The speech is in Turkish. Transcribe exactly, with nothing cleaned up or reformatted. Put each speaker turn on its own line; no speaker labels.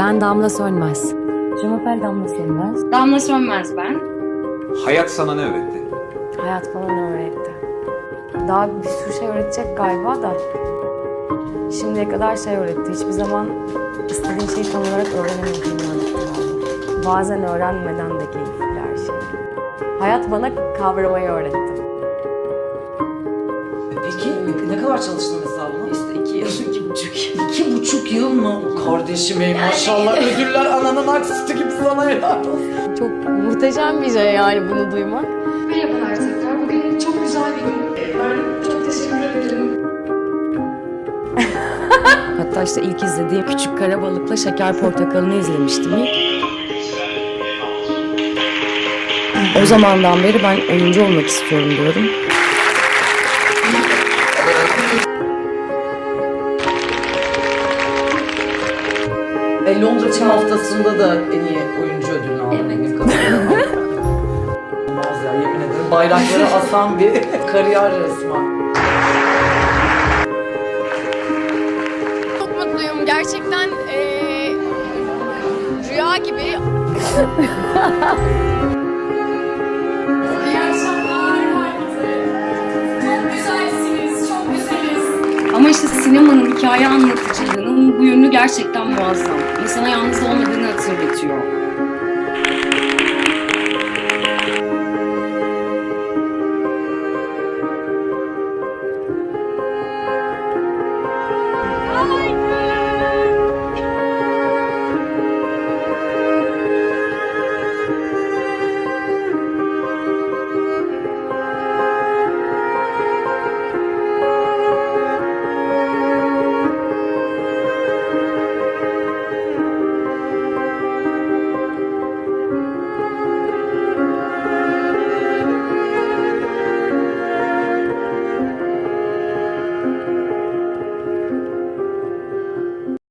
Ben Damla Sönmez. Cumapel Damla Sönmez.
Damla Sönmez ben.
Hayat sana ne öğretti?
Hayat bana ne öğretti? Daha bir sürü şey öğretecek galiba da. Şimdiye kadar şey öğretti. Hiçbir zaman istediğin şeyi tam olarak öğrenemediğini öğretti. Bazen öğrenmeden de keyifli her şey. Hayat bana kavramayı öğretti.
Peki ne kadar çalıştın mesela buna?
İşte iki yıl, iki buçuk yıl.
İki buçuk yıl mı? Kardeşim ey maşallah ödüller ananın aksisi gibi sana helal olsun.
Çok muhteşem bir şey yani bunu duymak.
Merhabalar tekrar. Bugün çok güzel bir gün. Ben çok teşekkür ederim.
Hatta işte ilk izlediğim Küçük Karabalık'la Şeker Portakalı'nı izlemiştim ilk. O zamandan beri ben oyuncu olmak istiyorum diyorum.
E, Londra Çin Haftası'nda da en iyi oyuncu ödülünü aldın. Evet. Olmaz ya yemin ederim. Bayrakları asan bir kariyer resmen.
Çok mutluyum. Gerçekten eee, rüya gibi. İyi akşamlar herkese. Çok güzelsiniz, çok güzeliz.
Ama işte sinemanın hikaye anlatıcılığının bu yönü gerçekten muazzam. İnsana yalnız olmadığını hatırlatıyor.